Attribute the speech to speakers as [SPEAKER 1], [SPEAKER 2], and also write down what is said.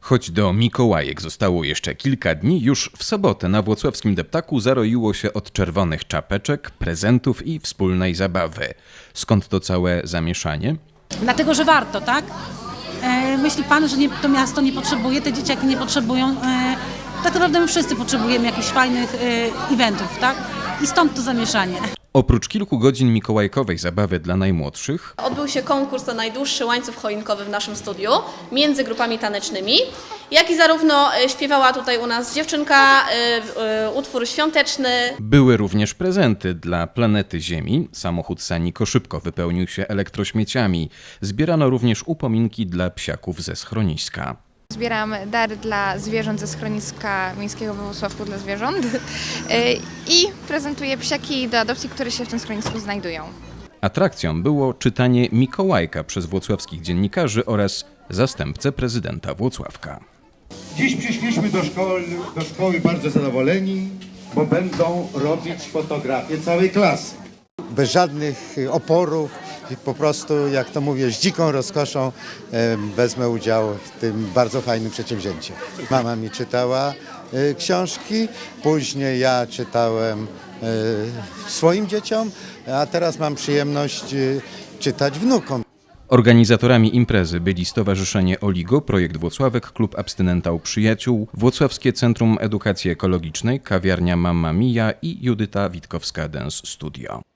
[SPEAKER 1] Choć do Mikołajek zostało jeszcze kilka dni, już w sobotę na włocławskim deptaku zaroiło się od czerwonych czapeczek, prezentów i wspólnej zabawy. Skąd to całe zamieszanie?
[SPEAKER 2] Dlatego, że warto, tak? Myśli pan, że to miasto nie potrzebuje, te dzieciaki nie potrzebują. Tak naprawdę my wszyscy potrzebujemy jakichś fajnych eventów, tak? I stąd to zamieszanie.
[SPEAKER 1] Oprócz kilku godzin mikołajkowej zabawy dla najmłodszych,
[SPEAKER 3] Odbył się konkurs na najdłuższy łańcuch choinkowy w naszym studiu między grupami tanecznymi, jak i zarówno śpiewała tutaj u nas dziewczynka, utwór świąteczny.
[SPEAKER 1] były również prezenty dla planety Ziemi. Samochód Saniko szybko wypełnił się elektrośmieciami. Zbierano również upominki dla psiaków ze schroniska.
[SPEAKER 4] Zbieram dary dla zwierząt ze schroniska miejskiego we Włocławku dla zwierząt i prezentuję psiaki do adopcji, które się w tym schronisku znajdują.
[SPEAKER 1] Atrakcją było czytanie Mikołajka przez włocławskich dziennikarzy oraz zastępcę prezydenta Włocławka.
[SPEAKER 5] Dziś przyszliśmy do szkoły bardzo zadowoleni, bo będą robić fotografię całej klasy.
[SPEAKER 6] Bez żadnych oporów i po prostu, jak to mówię, z dziką rozkoszą wezmę udział w tym bardzo fajnym przedsięwzięciu. Mama mi czytała książki, później ja czytałem swoim dzieciom, a teraz mam przyjemność czytać wnukom.
[SPEAKER 1] Organizatorami imprezy byli Stowarzyszenie Oligo, Projekt Włocławek, Klub Abstynenta u Przyjaciół, Włocławskie Centrum Edukacji Ekologicznej, Kawiarnia Mamma Mia i Judyta Witkowska Dance Studio.